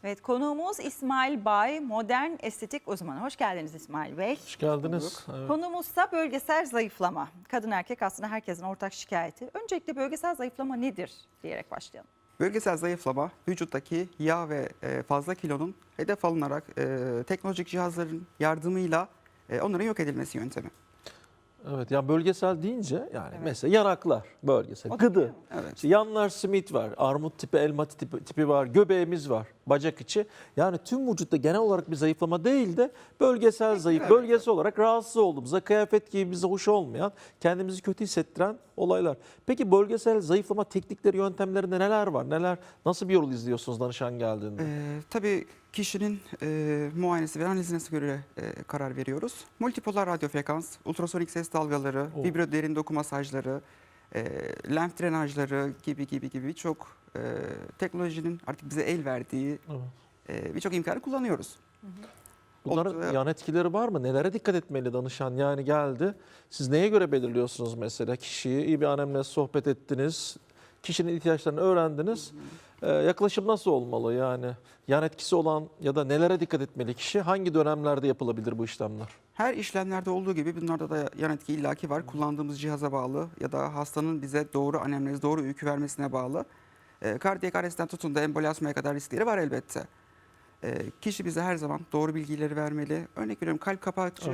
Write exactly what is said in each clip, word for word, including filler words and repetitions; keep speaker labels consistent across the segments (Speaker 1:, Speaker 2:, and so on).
Speaker 1: Evet, konuğumuz İsmail Bay, modern estetik uzmanı. Hoş geldiniz İsmail Bey.
Speaker 2: Hoş geldiniz. Evet.
Speaker 1: Konumuzsa bölgesel zayıflama. Kadın erkek aslında herkesin ortak şikayeti. Öncelikle bölgesel zayıflama nedir diyerek başlayalım.
Speaker 3: Bölgesel zayıflama, vücuttaki yağ ve fazla kilonun hedef alınarak teknolojik cihazların yardımıyla onların yok edilmesi yöntemi.
Speaker 2: Evet, yani bölgesel deyince yani
Speaker 1: Evet.
Speaker 2: mesela yanaklar bölgesel,
Speaker 1: O da
Speaker 2: gıdı.
Speaker 1: değil mi?
Speaker 3: Evet.
Speaker 2: İşte yanlar simit var, armut tipi, elma tipi, tipi var, göbeğimiz var, bacak içi. Yani tüm vücutta genel olarak bir zayıflama değil de bölgesel zayıf,
Speaker 3: evet.
Speaker 2: bölgesi olarak rahatsız olduğumuzda kıyafet giymemize hoş olmayan, kendimizi kötü hissettiren olaylar. Peki bölgesel zayıflama teknikleri, yöntemlerinde neler var? Neler, nasıl bir yol izliyorsunuz danışan geldiğinde?
Speaker 3: Ee, tabii kişinin e, muayenesi ve analizine göre e, karar veriyoruz. Multipolar radyo frekans, ultrasonik ses dalgaları,
Speaker 2: Oh.
Speaker 3: vibro derin doku masajları, e, lenf drenajları gibi gibi gibi birçok e, teknolojinin artık bize el verdiği
Speaker 2: Evet.
Speaker 3: e, birçok imkanı kullanıyoruz.
Speaker 2: Bunların
Speaker 3: Ortada-
Speaker 2: yan etkileri var mı? Nelere dikkat etmeli danışan? Yani geldi. Siz neye göre belirliyorsunuz mesela? Kişiyi iyi bir anemle sohbet ettiniz. Kişinin ihtiyaçlarını öğrendiniz. Ee, yaklaşım nasıl olmalı? Yani yan etkisi olan ya da nelere dikkat etmeli kişi? Hangi dönemlerde yapılabilir bu işlemler?
Speaker 3: Her işlemlerde olduğu gibi bunlarda da yan etki illaki var. Kullandığımız cihaza bağlı ya da hastanın bize doğru anemnez, doğru öykü vermesine bağlı. E, kardiyak arrestten tutun da embolyazmaya kadar riskleri var elbette. E, kişi bize her zaman doğru bilgileri vermeli. Örnek veriyorum kalp kapakçığı,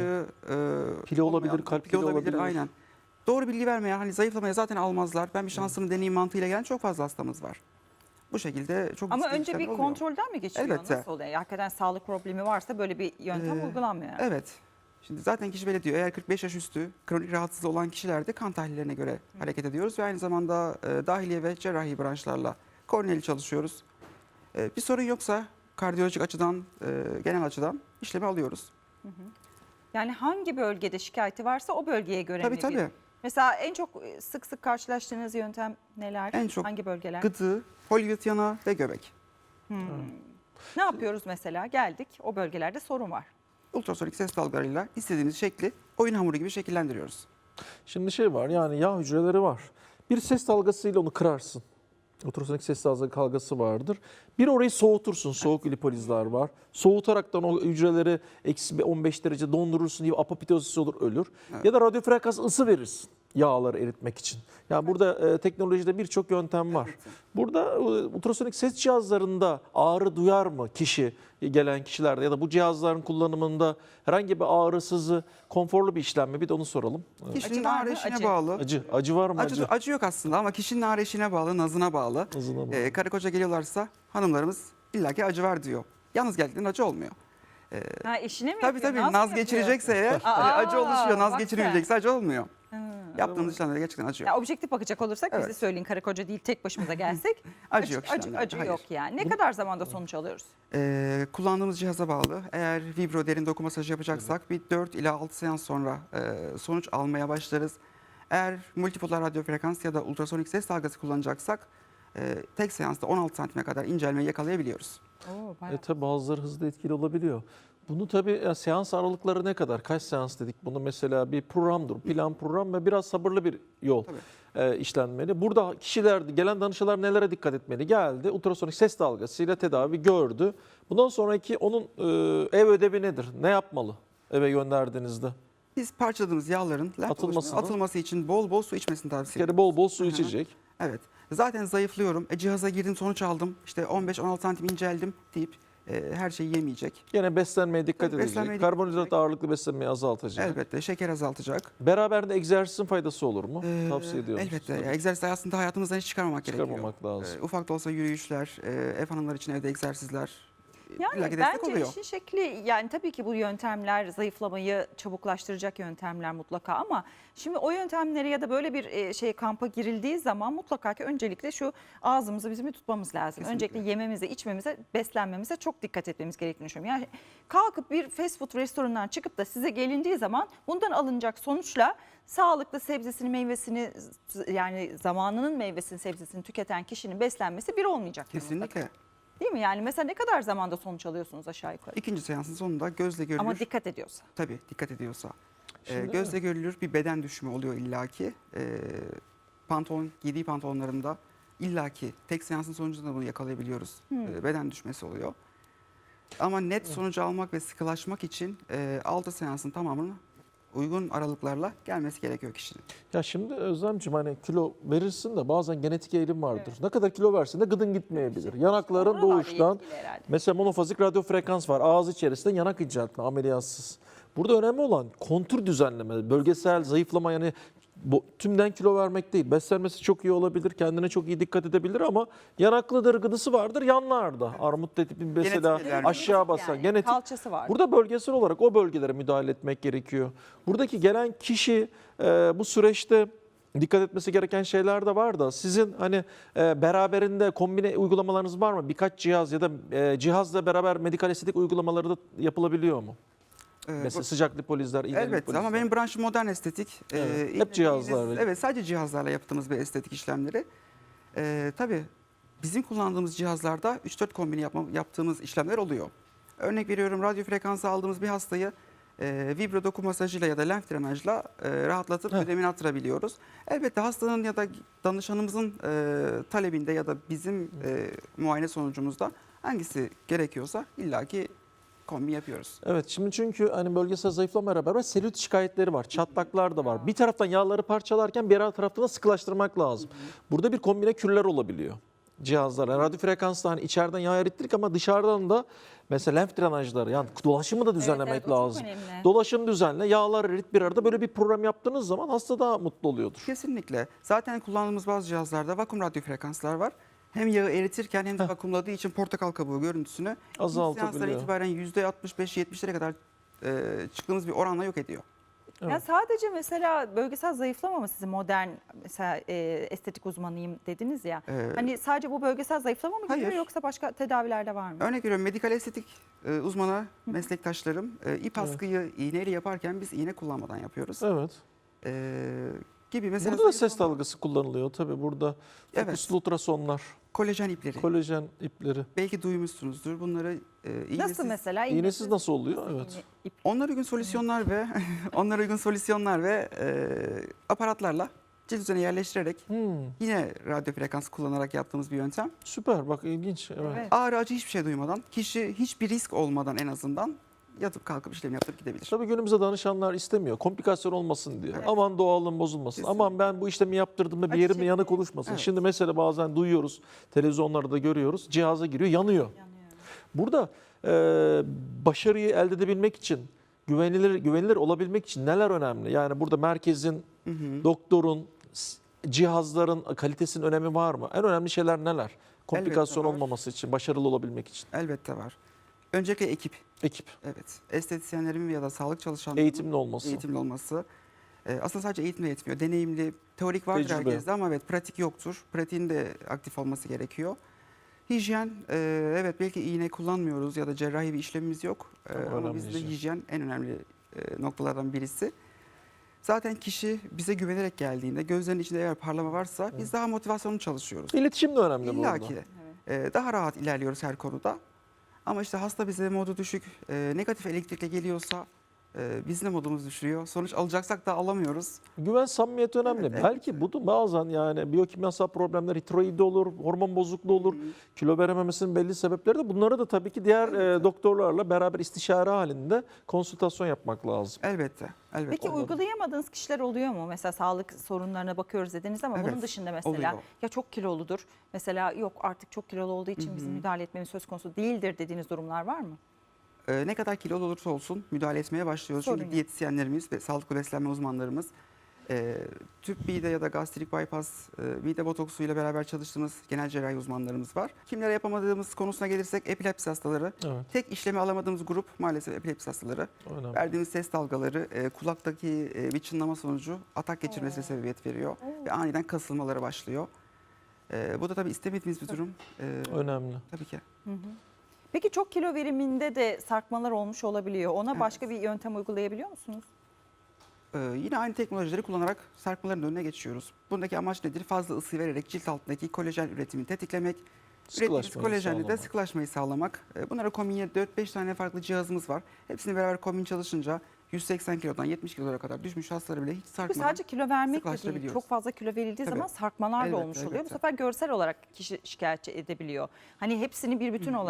Speaker 3: e,
Speaker 2: Pili olabilir,
Speaker 3: olmayan-
Speaker 2: kalp
Speaker 3: pili
Speaker 2: pili olabilir.
Speaker 3: Aynen. Doğru bilgi vermeyen, hani zayıflamaya zaten almazlar. Ben bir şansımı deneyeyim mantığıyla gelen çok fazla hastamız var. Bu şekilde çok
Speaker 1: Ama
Speaker 3: riskli
Speaker 1: önce bir
Speaker 3: işlemler oluyor.
Speaker 1: kontrolden mi geçiyor?
Speaker 3: Elbette.
Speaker 1: Nasıl oluyor? Hakikaten sağlık problemi varsa böyle bir yöntem
Speaker 3: Ee,
Speaker 1: uygulanmıyor.
Speaker 3: Evet. Şimdi zaten kişi böyle diyor. Eğer kırk beş yaş üstü kronik rahatsızlığı olan kişilerde kan tahlillerine göre hareket ediyoruz ve aynı zamanda e, dahiliye ve cerrahi branşlarla koordineli çalışıyoruz. E, bir sorun yoksa kardiyolojik açıdan, e, genel açıdan işlemi alıyoruz.
Speaker 1: Yani hangi bölgede şikayeti varsa o bölgeye göre
Speaker 3: Tabii
Speaker 1: mi?
Speaker 3: tabii.
Speaker 1: bir- Mesela en çok sık sık karşılaştığınız yöntem neler?
Speaker 3: En çok
Speaker 1: hangi bölgeler?
Speaker 3: Gıdı, Hollywood yanağı ve göbek.
Speaker 1: Ne yapıyoruz mesela? Geldik, o bölgelerde sorun var.
Speaker 3: Ultrasonik ses dalgalarıyla istediğimiz şekli oyun hamuru gibi şekillendiriyoruz.
Speaker 2: Şimdi şey var, yani yağ hücreleri var. Bir ses dalgasıyla onu kırarsın. Ultrasonik ses dalgası vardır. Bir orayı soğutursun. Soğuk lipolizler var. Soğutaraktan o hücreleri eksi on beş derece dondurursun diye apoptozis olur, ölür.
Speaker 3: Evet.
Speaker 2: Ya da radyo frekans ısı verirsin yağları eritmek için. Yani burada e, teknolojide birçok yöntem var. Burada e, ultrasonik ses cihazlarında ağrı duyar mı kişi, gelen kişilerde ya da bu cihazların kullanımında herhangi bir ağrı, sızı, konforlu bir işlem mi? Bir de onu soralım. Evet.
Speaker 3: Kişinin
Speaker 1: Acı var
Speaker 3: ağrı
Speaker 1: mı?
Speaker 3: eşiğine
Speaker 1: Acı.
Speaker 3: bağlı.
Speaker 2: Acı, acı var mı?
Speaker 3: Acı,
Speaker 2: Acı.
Speaker 3: acı yok aslında ama kişinin ağrı eşiğine bağlı, nazına bağlı.
Speaker 2: Nazına bağlı.
Speaker 3: Ee, karı koca geliyorlarsa hanımlarımız illaki acı var diyor. Yalnız geldiklerinde acı olmuyor.
Speaker 1: Ha, eşine mi
Speaker 3: Tabii
Speaker 1: yapıyor?
Speaker 3: tabii
Speaker 1: Naz
Speaker 3: naz
Speaker 1: mı
Speaker 3: geçirecekse eğer
Speaker 1: Aa,
Speaker 3: hani acı oluşuyor. Naz
Speaker 1: bak
Speaker 3: geçirilmeyecekse acı olmuyor.
Speaker 1: yapıyor?
Speaker 3: Yaptığımız işlemlerde gerçekten acı yok.
Speaker 1: Ya objektif bakacak olursak bize
Speaker 3: Evet.
Speaker 1: söyleyin, karı koca değil tek başımıza gelsek.
Speaker 3: Acı yok
Speaker 1: acı,
Speaker 3: işlemlerde,
Speaker 1: acı
Speaker 3: hayır.
Speaker 1: yok yani. Ne kadar zamanda sonuç alıyoruz?
Speaker 3: Ee, kullandığımız cihaza bağlı. Eğer vibro derin doku masajı yapacaksak bir dört ila altı seans sonra e, sonuç almaya başlarız. Eğer multipolar radyo frekans ya da ultrasonik ses dalgası kullanacaksak e, tek seansta on altı santime kadar incelmeyi yakalayabiliyoruz.
Speaker 1: Oo, bayağı.
Speaker 2: E tabi bazıları hızlı etkili olabiliyor. Bunu tabii ya, seans aralıkları ne kadar? Kaç seans dedik? Bunu mesela bir programdır, plan program ve biraz sabırlı bir yol e, işlenmeli. Burada kişiler, gelen danışanlar nelere dikkat etmeli? Geldi, ultrasonik ses dalgasıyla tedavi gördü. Bundan sonraki onun e, ev ödevi nedir? Ne yapmalı eve gönderdiğinizde?
Speaker 3: Biz parçaladığımız yağların lenf
Speaker 2: Atılmasını-
Speaker 3: oluşumuna atılması için bol bol su içmesini
Speaker 2: Bir
Speaker 3: tavsiye
Speaker 2: kere
Speaker 3: ediyoruz.
Speaker 2: bol bol su
Speaker 3: Hı hı.
Speaker 2: içecek.
Speaker 3: Evet. Zaten zayıflıyorum. E, cihaza girdim sonuç aldım. İşte on beş on altı santim inceldim deyip e, her şeyi yemeyecek.
Speaker 2: Yine beslenmeye dikkat
Speaker 3: Tabii,
Speaker 2: edecek.
Speaker 3: beslenmeye dikkat
Speaker 2: Karbonhidrat
Speaker 3: edecek.
Speaker 2: ağırlıklı beslenmeyi azaltacak.
Speaker 3: Elbette şeker azaltacak.
Speaker 2: Beraberinde egzersizin faydası olur mu?
Speaker 3: Ee,
Speaker 2: Tavsiye ediyorum.
Speaker 3: Elbette. Ya, egzersiz aslında hayatımızdan hiç çıkarmamak,
Speaker 2: Çıkarmamak
Speaker 3: gerekiyor.
Speaker 2: lazım.
Speaker 3: Ee, ufak da olsa yürüyüşler, e, ev hanımları için evde egzersizler.
Speaker 1: Yani
Speaker 3: illaki destek
Speaker 1: bence
Speaker 3: oluyor.
Speaker 1: işin şekli, yani tabii ki bu yöntemler zayıflamayı çabuklaştıracak yöntemler mutlaka, ama şimdi o yöntemlere ya da böyle bir e, şey kampa girildiği zaman mutlaka ki öncelikle şu ağzımızı bizim bir tutmamız lazım.
Speaker 3: Kesinlikle.
Speaker 1: Öncelikle yememize, içmemize, beslenmemize çok dikkat etmemiz gerektiğini düşünüyorum. Yani kalkıp bir fast food restoranından çıkıp da size gelindiği zaman bundan alınacak sonuçla sağlıklı sebzesini, meyvesini, yani zamanının meyvesini, sebzesini tüketen kişinin beslenmesi bir olmayacak.
Speaker 3: Kesinlikle.
Speaker 1: Değil mi? Yani mesela ne kadar zamanda sonuç alıyorsunuz aşağı yukarı?
Speaker 3: İkinci seansın sonunda gözle görülür.
Speaker 1: Ama dikkat ediyorsa.
Speaker 3: Tabii dikkat ediyorsa. Ee,
Speaker 2: Şimdi-
Speaker 3: gözle görülür bir beden düşümü oluyor illaki. Ee, pantolon, giydiği pantolonlarında illaki tek seansın sonucunda bunu yakalayabiliyoruz.
Speaker 1: Hmm.
Speaker 3: Ee, beden düşmesi oluyor. Ama net sonucu almak ve sıkılaşmak için e, altı seansın tamamını uygun aralıklarla gelmesi gerekiyor kişinin.
Speaker 2: Ya şimdi Özlemciğim hani kilo verirsin de bazen genetik eğilim vardır. Ne kadar kilo versin de gıdın gitmeyebilir. Yanakların
Speaker 1: Oralarla
Speaker 2: doğuştan
Speaker 1: ilgili herhalde.
Speaker 2: mesela monofazik radyo frekans var. Ağız içerisinde yanak inceltme ameliyatsız. Burada önemli olan kontur düzenleme, bölgesel zayıflama yani bu, tümden kilo vermek değil. Beslenmesi çok iyi olabilir, kendine çok iyi dikkat edebilir ama yanaklıdır, gıdısı vardır yanlarda. Armut tipi mesela
Speaker 3: Genetik ilerleme.
Speaker 2: aşağı basan
Speaker 1: Yani
Speaker 2: genetik.
Speaker 1: kalçası var.
Speaker 2: Burada bölgesel olarak o bölgelere müdahale etmek gerekiyor. Buradaki gelen kişi e, bu süreçte dikkat etmesi gereken şeyler de var da sizin hani e, beraberinde kombine uygulamalarınız var mı? Birkaç cihaz ya da e, cihazla beraber medikal estetik uygulamaları da yapılabiliyor mu?
Speaker 3: E,
Speaker 2: Mesela
Speaker 3: bu-
Speaker 2: sıcak lipolizler, iğneli
Speaker 3: Elbette
Speaker 2: lipolizler.
Speaker 3: ama benim branşım modern estetik. E,
Speaker 2: Evet, hep
Speaker 3: iğne-
Speaker 2: cihazlar
Speaker 3: iğne-
Speaker 2: böyle.
Speaker 3: Evet, sadece cihazlarla yaptığımız bir estetik işlemleri. E, tabii bizim kullandığımız cihazlarda üç dört kombine yapma, yaptığımız işlemler oluyor. Örnek veriyorum, radyo frekansı aldığımız bir hastayı e, vibro doku masajıyla ya da lenf drenajla e, rahatlatıp
Speaker 2: Heh.
Speaker 3: ödemini arttırabiliyoruz. Elbette hastanın ya da danışanımızın e, talebinde ya da bizim e, muayene sonucumuzda hangisi gerekiyorsa illaki kombin yapıyoruz.
Speaker 2: Evet şimdi çünkü hani bölgesel zayıflamayla beraber selülit şikayetleri var. Çatlaklar da var. Bir taraftan yağları parçalarken bir taraftan da sıkılaştırmak lazım. Burada bir kombine kürler olabiliyor cihazlar. Yani radyo frekansla hani içeriden yağ erittirdik ama dışarıdan da mesela lenf drenajları yani dolaşımı da düzenlemek
Speaker 1: evet, o çok
Speaker 2: lazım.
Speaker 1: önemli.
Speaker 2: Dolaşım düzenle, yağlar erit bir arada böyle bir program yaptığınız zaman hasta daha mutlu oluyordur.
Speaker 3: Kesinlikle. Zaten kullandığımız bazı cihazlarda vakum radyo frekanslar var. Hem yağı eritirken hem de vakumladığı için portakal kabuğu görüntüsünü ilk
Speaker 2: Azaltabiliyor.
Speaker 3: seanslara itibaren yüzde altmış beş yetmişlere kadar e, çıktığımız bir oranla yok ediyor.
Speaker 2: Evet.
Speaker 1: Ya sadece mesela bölgesel zayıflama mı sizin modern mesela e, estetik uzmanıyım dediniz ya.
Speaker 3: Ee,
Speaker 1: Hani sadece bu bölgesel zayıflama mı geliyor
Speaker 3: hayır.
Speaker 1: yoksa başka tedaviler de var mı?
Speaker 3: Örnek veriyorum, medikal estetik e, uzmanı meslektaşlarım e, ip askıyı iğneyle yaparken biz iğne kullanmadan yapıyoruz.
Speaker 2: Evet.
Speaker 3: E, gibi mesela
Speaker 2: Burada da ses
Speaker 3: zayıflama-
Speaker 2: dalgası kullanılıyor tabii burada.
Speaker 3: Evet.
Speaker 2: Fokuslu ultrasonlar,
Speaker 3: Kolajen ipleri.
Speaker 2: kolajen ipleri.
Speaker 3: Belki duymuşsunuzdur. Bunları e, iğnesiz,
Speaker 1: Nasıl mesela?
Speaker 2: İğnesiz nasıl oluyor? Evet.
Speaker 1: iğne- ip-
Speaker 3: Onlara uygun solüsyonlar ve onlara uygun solüsyonlar ve e, aparatlarla cilt üzerine yerleştirerek
Speaker 2: Hmm,
Speaker 3: yine radyo frekans kullanarak yaptığımız bir yöntem.
Speaker 2: süper bak ilginç. Evet.
Speaker 1: Evet.
Speaker 3: Ağrı acı hiçbir şey duymadan, kişi hiçbir risk olmadan en azından yatıp kalkıp işlem yaptırıp gidebilir.
Speaker 2: Tabii günümüzde danışanlar istemiyor. Komplikasyon olmasın diye.
Speaker 3: Evet.
Speaker 2: Aman doğallığım bozulmasın.
Speaker 3: Kesinlikle.
Speaker 2: Aman ben bu işlemi yaptırdığımda bir
Speaker 1: Acı
Speaker 2: yerimde yanık
Speaker 1: çekmeyin.
Speaker 2: oluşmasın.
Speaker 3: Evet.
Speaker 2: Şimdi mesela bazen duyuyoruz, televizyonlarda da görüyoruz. Cihaza giriyor, yanıyor.
Speaker 1: Yanıyor.
Speaker 2: Burada e, başarıyı elde edebilmek için, güvenilir güvenilir olabilmek için neler önemli? Yani burada merkezin,
Speaker 3: Hı hı.
Speaker 2: doktorun, s- cihazların kalitesinin önemi var mı? En önemli şeyler neler? Komplikasyon
Speaker 3: var.
Speaker 2: olmaması için, başarılı olabilmek için.
Speaker 3: Elbette var. Öncelikle ekip.
Speaker 2: Ekip,
Speaker 3: Evet. Estetisyenlerin ya da sağlık çalışanlarının
Speaker 2: eğitimli olması.
Speaker 3: eğitimli olması. Ee, aslında sadece eğitimle yetmiyor. Deneyimli, teorik vardır
Speaker 2: Tecrübe.
Speaker 3: herkeste ama evet pratik yoktur. Pratiğin de aktif olması gerekiyor. Hijyen, e, evet belki iğne kullanmıyoruz ya da cerrahi bir işlemimiz yok. E,
Speaker 2: Ama
Speaker 3: ama
Speaker 2: önemli
Speaker 3: bizde
Speaker 2: hijyen.
Speaker 3: hijyen en önemli e, noktalardan birisi. Zaten kişi bize güvenerek geldiğinde gözlerinin içinde eğer parlama varsa biz daha motivasyonlu çalışıyoruz.
Speaker 2: İletişim de önemli
Speaker 3: İlla
Speaker 2: burada.
Speaker 3: ki. E, daha rahat ilerliyoruz her konuda. Ama işte hasta bize modu düşük, e, negatif elektrikle geliyorsa e, biz de modumuz düşürüyor. Sonuç alacaksak da alamıyoruz.
Speaker 2: Güven, samimiyet önemli.
Speaker 3: Evet,
Speaker 2: Belki bu da bazen yani biyokimyasal problemler, tiroidi olur, hormon bozukluğu olur, kilo verememesinin belli sebepleri de bunları da tabii ki diğer e, doktorlarla beraber istişare halinde konsültasyon yapmak lazım.
Speaker 3: Elbette. Elbette.
Speaker 1: Peki
Speaker 2: Olmadı.
Speaker 1: uygulayamadığınız kişiler oluyor mu? Mesela sağlık sorunlarına bakıyoruz dediniz ama
Speaker 3: Evet,
Speaker 1: bunun dışında mesela
Speaker 3: oluyor.
Speaker 1: ya çok kiloludur. Mesela yok artık çok kilolu olduğu için bizim müdahale etmemiz söz konusu değildir dediğiniz durumlar var mı?
Speaker 3: Ee, ne kadar kilolu olursa olsun müdahale etmeye başlıyoruz.
Speaker 1: Sorun
Speaker 3: Çünkü
Speaker 1: yok.
Speaker 3: diyetisyenlerimiz ve sağlıklı beslenme uzmanlarımız e, tüp mide ya da gastrik bypass, e, mide botoksu ile beraber çalıştığımız genel cerrahi uzmanlarımız var. Kimlere yapamadığımız konusuna gelirsek epilepsi hastaları.
Speaker 2: Evet,
Speaker 3: Tek işlemi alamadığımız grup maalesef epilepsi hastaları.
Speaker 2: önemli.
Speaker 3: Verdiğimiz ses dalgaları e, kulaktaki e, bir çınlama sonucu atak geçirmesine sebebiyet veriyor. Ve aniden kasılmaları başlıyor. E, bu da tabii istemediğimiz bir durum. E,
Speaker 2: Önemli.
Speaker 3: tabii ki.
Speaker 1: Peki çok kilo veriminde de sarkmalar olmuş olabiliyor. Ona
Speaker 3: Evet.
Speaker 1: başka bir yöntem uygulayabiliyor musunuz?
Speaker 3: Ee, yine aynı teknolojileri kullanarak sarkmaların önüne geçiyoruz. Bundaki amaç nedir? Fazla ısı vererek cilt altındaki kolajen üretimini tetiklemek. Ürettiğimiz
Speaker 2: Sıkılaşmayı
Speaker 3: kolajenle de
Speaker 2: sağlamak.
Speaker 3: sıkılaşmayı sağlamak. Ee, Bunlara kombinle dört beş tane farklı cihazımız var. Hepsini beraber kombin çalışınca yüz seksen kilodan yetmiş kilolara kadar düşmüş hastaları bile hiç
Speaker 1: Çünkü
Speaker 3: sarkmadan.
Speaker 1: sadece kilo vermek de değil.
Speaker 3: sıklaştırabiliyoruz.
Speaker 1: Çok fazla kilo verildiği
Speaker 3: Tabii.
Speaker 1: zaman sarkmalar da
Speaker 3: Elbette,
Speaker 1: olmuş oluyor. Bu
Speaker 3: elbette.
Speaker 1: sefer görsel olarak kişi şikayetçi edebiliyor. Hani hepsini bir bütün olarak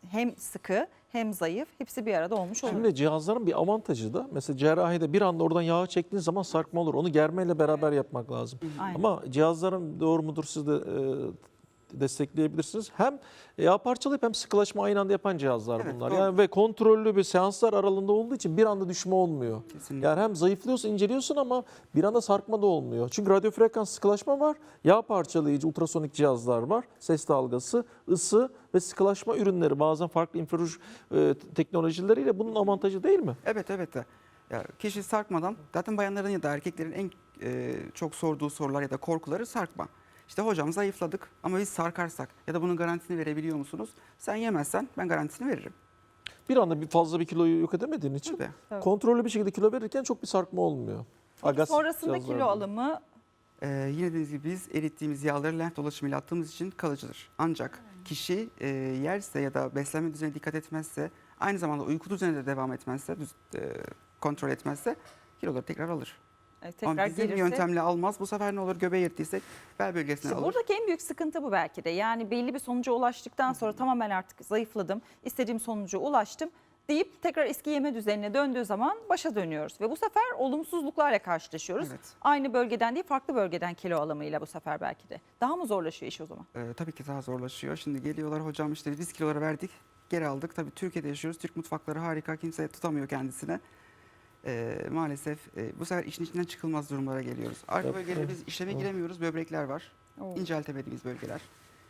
Speaker 1: hem sıkı hem zayıf hepsi bir arada olmuş olur.
Speaker 2: Şimdi cihazların bir avantajı da mesela cerrahide bir anda oradan yağı çektiğin zaman sarkma olur. Onu germeyle beraber yapmak lazım.
Speaker 1: Aynen.
Speaker 2: Ama cihazların doğru mudur siz de e, destekleyebilirsiniz. Hem yağ parçalayıp hem sıkılaşma aynı anda yapan cihazlar
Speaker 3: Evet,
Speaker 2: bunlar.
Speaker 3: doğru.
Speaker 2: Yani ve kontrollü bir seanslar aralığında olduğu için bir anda düşme olmuyor.
Speaker 3: Kesinlikle.
Speaker 2: Yani hem zayıflıyorsun, inceliyorsun ama bir anda sarkma da olmuyor. Çünkü radyo frekans sıkılaşma var, yağ parçalayıcı ultrasonik cihazlar var, ses dalgası, ısı ve sıkılaşma ürünleri bazen farklı infraruj e, teknolojileriyle bunun avantajı değil mi?
Speaker 3: Evet evet de. Ya kişi sarkmadan zaten bayanların ya da erkeklerin en e, çok sorduğu sorular ya da korkuları sarkma. İşte hocam zayıfladık ama biz sarkarsak ya da bunun garantisini verebiliyor musunuz? Sen yemezsen ben garantisini veririm.
Speaker 2: Bir anda bir fazla bir kiloyu yok edemediğin için
Speaker 3: Tabii.
Speaker 1: Tabii.
Speaker 2: kontrollü bir şekilde kilo verirken çok bir sarkma olmuyor. Agas
Speaker 1: Sonrasında
Speaker 2: cihazlarda.
Speaker 1: kilo alımı
Speaker 3: Ee, yine dediğimiz gibi biz erittiğimiz yağları lenf dolaşımıyla attığımız için kalıcıdır. Ancak kişi e, yerse ya da beslenme düzenine dikkat etmezse, aynı zamanda uyku düzenine de devam etmezse, düz- e, kontrol etmezse kiloları tekrar alır.
Speaker 1: e, tekrar
Speaker 3: Ama bizim
Speaker 1: gelirse.
Speaker 3: yöntemle almaz. Bu sefer ne olur? Göbeği erittiysek bel bölgesine
Speaker 1: İşte
Speaker 3: alır.
Speaker 1: buradaki en büyük sıkıntı bu belki de. Yani belli bir sonuca ulaştıktan sonra tamamen artık zayıfladım, istediğim sonuca ulaştım deyip tekrar eski yeme düzenine döndüğü zaman başa dönüyoruz. Ve bu sefer olumsuzluklarla karşılaşıyoruz.
Speaker 3: Evet.
Speaker 1: Aynı bölgeden değil farklı bölgeden kilo alımıyla bu sefer belki de. Daha mı zorlaşıyor iş o zaman?
Speaker 3: Ee, tabii ki daha zorlaşıyor. Şimdi geliyorlar hocam işte biz kiloları verdik, geri aldık. Tabii Türkiye'de yaşıyoruz. Türk mutfakları harika. Kimse tutamıyor kendisine. Ee, maalesef e, bu sefer işin içinden çıkılmaz durumlara geliyoruz. Arka
Speaker 2: Evet,
Speaker 3: bölgelere
Speaker 2: evet.
Speaker 3: biz işleme giremiyoruz. Böbrekler var.
Speaker 1: Oo.
Speaker 3: İnceltemediğimiz bölgeler.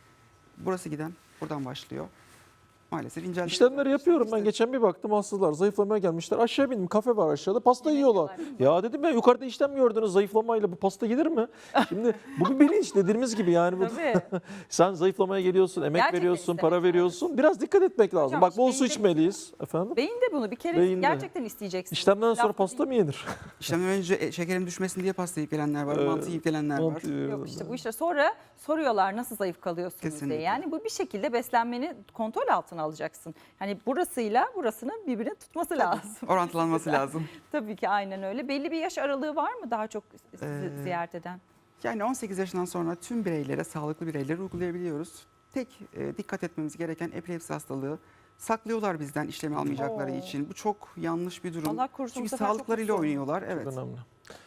Speaker 3: Burası giden buradan başlıyor. Maalesef incelteme.
Speaker 2: İşlemleri yapıyorum ben.
Speaker 3: İşte-
Speaker 2: Geçen bir baktım hastalar zayıflamaya gelmişler. Aşağı bindim, kafe var aşağıda, pasta
Speaker 1: Yemek
Speaker 2: yiyorlar.
Speaker 1: yiyorlar, değil mi?
Speaker 2: Ya dedim ya yukarıda işlem gördünüz, zayıflamayla bu pasta gelir mi? Şimdi bu bir bilinç dediğimiz gibi yani. Bu,
Speaker 1: Tabii.
Speaker 2: sen zayıflamaya geliyorsun, emek
Speaker 1: Gerçekten
Speaker 2: veriyorsun,
Speaker 1: istemek
Speaker 2: para
Speaker 1: lazım.
Speaker 2: veriyorsun. Biraz dikkat etmek lazım.
Speaker 1: Hocam,
Speaker 2: Bak bol
Speaker 1: işte
Speaker 2: su
Speaker 1: beyin de-
Speaker 2: içmeliyiz. Efendim?
Speaker 1: Beyin de bunu bir kere
Speaker 2: Beyin de.
Speaker 1: gerçekten isteyeceksiniz.
Speaker 2: İşlemden sonra
Speaker 1: Laf
Speaker 2: pasta
Speaker 1: değil.
Speaker 2: mı yenir?
Speaker 3: İşlemden önce e, şekerim düşmesin diye pasta yiyip gelenler var.
Speaker 2: Ee,
Speaker 3: mantı yiyip gelenler var.
Speaker 2: Mantı-
Speaker 1: Yok işte bu işte sonra soruyorlar nasıl zayıf kalıyorsunuz
Speaker 3: Kesinlikle.
Speaker 1: diye. Yani bu bir şekilde beslenmeni kontrol altına alacaksın. Hani burasıyla burasının birbirini tutması lazım.
Speaker 3: Orantılanması lazım.
Speaker 1: Tabii ki aynen öyle. Belli bir yaş aralığı var mı daha çok sizi
Speaker 3: Ee,
Speaker 1: ziyaret eden?
Speaker 3: Yani on sekiz yaşından sonra tüm bireylere, sağlıklı bireylere uygulayabiliyoruz. Tek e, dikkat etmemiz gereken epilepsi hastalığı. Saklıyorlar bizden işlemi almayacakları
Speaker 1: Oo.
Speaker 3: için. Bu çok yanlış bir durum.
Speaker 1: Allah korusun,
Speaker 3: Çünkü
Speaker 1: bu sefer çok
Speaker 3: sağlıklarıyla
Speaker 1: kötü
Speaker 3: oynuyorlar. Evet.
Speaker 2: Çok önemli.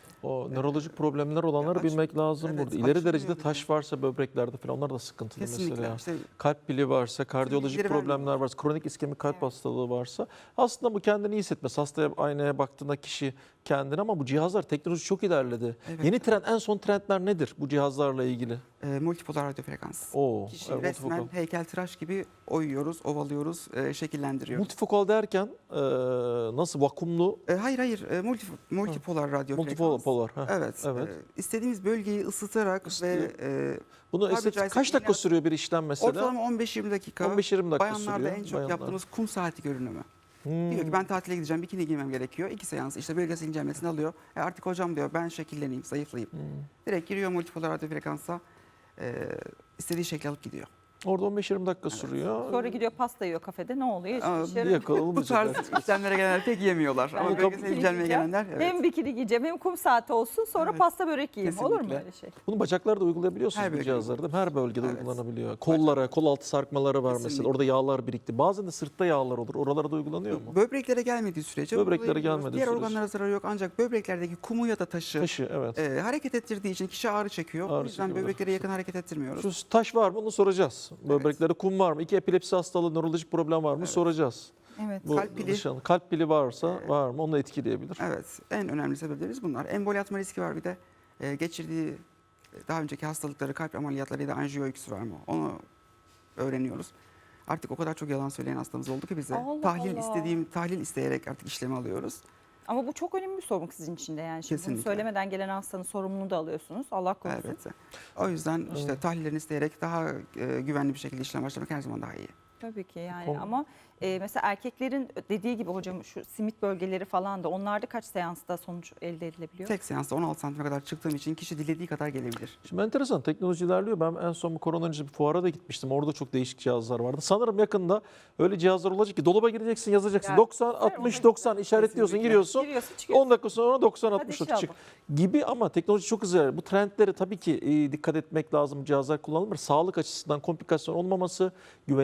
Speaker 2: O nörolojik problemler olanları
Speaker 3: aç-
Speaker 2: bilmek lazım
Speaker 3: evet,
Speaker 2: burada. İleri
Speaker 3: açılmıyor
Speaker 2: derecede
Speaker 3: bir
Speaker 2: taş
Speaker 3: de.
Speaker 2: varsa böbreklerde falan onlar da sıkıntılı
Speaker 3: Kesinlikle.
Speaker 2: mesela.
Speaker 3: İşte
Speaker 2: Kalp pili varsa, kardiyolojik
Speaker 3: bilgileri
Speaker 2: problemler
Speaker 3: vermiyor.
Speaker 2: varsa, kronik iskemik kalp
Speaker 1: Evet.
Speaker 2: hastalığı varsa aslında bu kendini iyi hissetmez. Hastaya aynaya baktığında kişi kendini ama bu cihazlar teknoloji çok ilerledi.
Speaker 3: Evet.
Speaker 2: Yeni trend, en son trendler nedir bu cihazlarla ilgili?
Speaker 3: e, multipolar radyo frekans.
Speaker 2: Oo,
Speaker 3: Kişi
Speaker 2: evet,
Speaker 3: resmen
Speaker 2: multifokal.
Speaker 3: heykeltıraş gibi oyuyoruz, ovalıyoruz, e, şekillendiriyoruz.
Speaker 2: Multifokal derken e, nasıl vakumlu
Speaker 3: E, hayır hayır, e, multi, multipolar radyo frekans.
Speaker 2: multipolar. heh.
Speaker 3: Evet.
Speaker 2: Evet.
Speaker 3: e, istediğimiz bölgeyi ısıtarak
Speaker 2: Isıtıyor.
Speaker 3: ve e,
Speaker 2: Bunu
Speaker 3: tabiri
Speaker 2: estetik
Speaker 3: caizse
Speaker 2: kaç dakika
Speaker 3: iğne-
Speaker 2: sürüyor bir işlem mesela?
Speaker 3: ortalama on beş yirmi dakika.
Speaker 2: on beş yirmi dakika
Speaker 3: Bayanlarda
Speaker 2: sürüyor.
Speaker 3: en çok
Speaker 2: bayanlar.
Speaker 3: yaptığımız kum saati görünümü.
Speaker 2: Hmm.
Speaker 3: Diyor ki ben tatile gideceğim, bikini giymem gerekiyor. İki seans işte bölgesel incelmesini alıyor. E artık hocam diyor ben şekilleneyim, zayıflayayım.
Speaker 2: Hmm.
Speaker 3: Direkt giriyor multipolar radyo frekansa, e, istediği şekli alıp gidiyor.
Speaker 2: Orada on beş yirmi dakika sürüyor.
Speaker 1: Sonra gidiyor pasta yiyor kafede ne oluyor? Hiçbir
Speaker 3: Aa,
Speaker 1: işe
Speaker 3: bir
Speaker 1: yaramıyor.
Speaker 3: Bu
Speaker 2: Yakalanmayacak.
Speaker 3: tarz işlemlere gelenler pek yemiyorlar.
Speaker 1: Ben
Speaker 3: Ama
Speaker 2: de
Speaker 3: bölgesel
Speaker 1: bikini
Speaker 3: incelmeye
Speaker 1: giyeceğim.
Speaker 3: gelenler evet.
Speaker 1: Hem bikini giyeceğim hem kum saati olsun sonra
Speaker 3: Evet.
Speaker 1: pasta börek yiyeyim. Olur mu
Speaker 3: Kesinlikle.
Speaker 1: öyle şey?
Speaker 2: Bunu bacaklarda uygulayabiliyorsunuz
Speaker 3: Her
Speaker 2: bu
Speaker 3: bölgede
Speaker 2: cihazları değil mi? Her bölgede
Speaker 3: Evet.
Speaker 2: uygulanabiliyor. Kollara, kol altı sarkmaları var mesela.
Speaker 3: Kesinlikle.
Speaker 2: Orada yağlar birikti. Bazen de sırtta yağlar olur. Oralara da uygulanıyor mu?
Speaker 3: Böbreklere gelmediği sürece
Speaker 2: Böbreklere
Speaker 3: uygulayabiliyoruz.
Speaker 2: gelmediği
Speaker 3: Diğer
Speaker 2: sürece.
Speaker 3: organlara zararı yok ancak böbreklerdeki kumu ya da taşı,
Speaker 2: Taşı evet.
Speaker 3: e, hareket ettirdiği için kişi ağrı çekiyor.
Speaker 2: Ağrı
Speaker 3: o yüzden
Speaker 2: çekiyor.
Speaker 3: böbreklere yakın hareket ettirmiyoruz.
Speaker 2: Şu taş var mı onu soracağız. Böbreklerde kum var mı? İki epilepsi hastalığı, nörolojik problem var mı?
Speaker 3: Evet.
Speaker 2: Soracağız.
Speaker 1: Evet.
Speaker 2: Bu
Speaker 3: Kalp pili.
Speaker 2: dışarı- kalp pili varsa var mı? Onu da etkileyebilir.
Speaker 3: Evet, en önemli sebeplerimiz bunlar. Emboli atma riski var bir de. E, geçirdiği e, daha önceki hastalıkları, kalp ameliyatları ya da anjiyo öyküsü var mı? Onu öğreniyoruz. Artık o kadar çok yalan söyleyen hastamız oldu ki bize.
Speaker 1: Allah
Speaker 3: tahlil
Speaker 1: Allah.
Speaker 3: istediğim, tahlil isteyerek artık işlemi alıyoruz.
Speaker 1: Ama bu çok önemli bir sorumluluk sizin için de yani. Şimdi bunu
Speaker 3: Kesinlikle.
Speaker 1: söylemeden gelen hastanın sorumluluğunu da alıyorsunuz. Allah korusun.
Speaker 3: Elbette. O yüzden işte tahlillerini isteyerek daha e, güvenli bir şekilde işlem başlamak her zaman daha iyi.
Speaker 1: Tabii ki yani
Speaker 2: Kom-
Speaker 1: ama e, mesela erkeklerin dediği gibi hocam şu simit bölgeleri falan da onlarda kaç seansta sonuç elde edilebiliyor?
Speaker 3: Tek seansta on altı santime kadar çıktığım için kişi dilediği kadar gelebilir.
Speaker 2: Şimdi enteresan teknoloji ilerliyor. Ben en son bu korona öncesi bir fuara da gitmiştim. Orada çok değişik cihazlar vardı. Sanırım yakında öyle cihazlar olacak ki dolaba gireceksin yazacaksın.
Speaker 1: Ya,
Speaker 2: doksan,
Speaker 1: güzel,
Speaker 2: altmış,
Speaker 1: ona
Speaker 2: doksan işaretliyorsun,
Speaker 3: Kesinlikle.
Speaker 2: giriyorsun.
Speaker 1: Giriyorsun çıkıyorsun.
Speaker 2: on dakika sonra doksan,
Speaker 1: Hadi
Speaker 2: altmış
Speaker 1: inşallah.
Speaker 2: çık gibi ama teknoloji çok hızlı ilerliyor. Bu trendlere tabii ki e, dikkat etmek lazım. Cihazlar kullanılır. Sağlık açısından komplikasyon olmaması, güvenilir yerler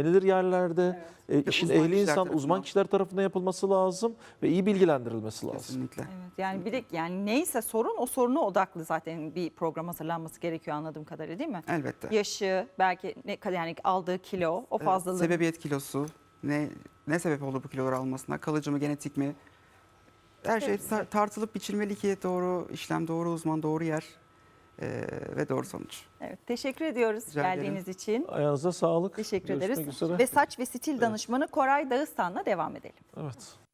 Speaker 2: yerlerde, e, işin
Speaker 3: uzman
Speaker 2: ehli
Speaker 3: kişiler
Speaker 2: insan,
Speaker 3: tarafından.
Speaker 2: uzman kişiler tarafından yapılması lazım ve iyi bilgilendirilmesi lazım.
Speaker 3: Kesinlikle.
Speaker 1: Evet, yani bir de yani neyse sorun o soruna odaklı zaten bir program hazırlanması gerekiyor anladığım kadarıyla, değil mi?
Speaker 3: Elbette.
Speaker 1: Yaşı, belki ne kadar yani aldığı kilo, o
Speaker 3: Evet,
Speaker 1: fazlalığın.
Speaker 3: sebebiyet kilosu, ne ne sebep oldu bu kiloları almasına, kalıcı mı, genetik mi? Her şey
Speaker 1: Hepsi.
Speaker 3: tar- tartılıp biçilmeli ki doğru işlem, doğru uzman, doğru yer eee, ve doğru sonuç.
Speaker 1: Evet, teşekkür ediyoruz
Speaker 3: Rica ederim.
Speaker 1: geldiğiniz için.
Speaker 2: Ayağınıza sağlık.
Speaker 1: Teşekkür
Speaker 2: Görüşmek
Speaker 1: ederiz.
Speaker 2: üzere.
Speaker 1: Ve saç ve stil danışmanı Koray Dağıstan'la devam edelim.
Speaker 2: Evet.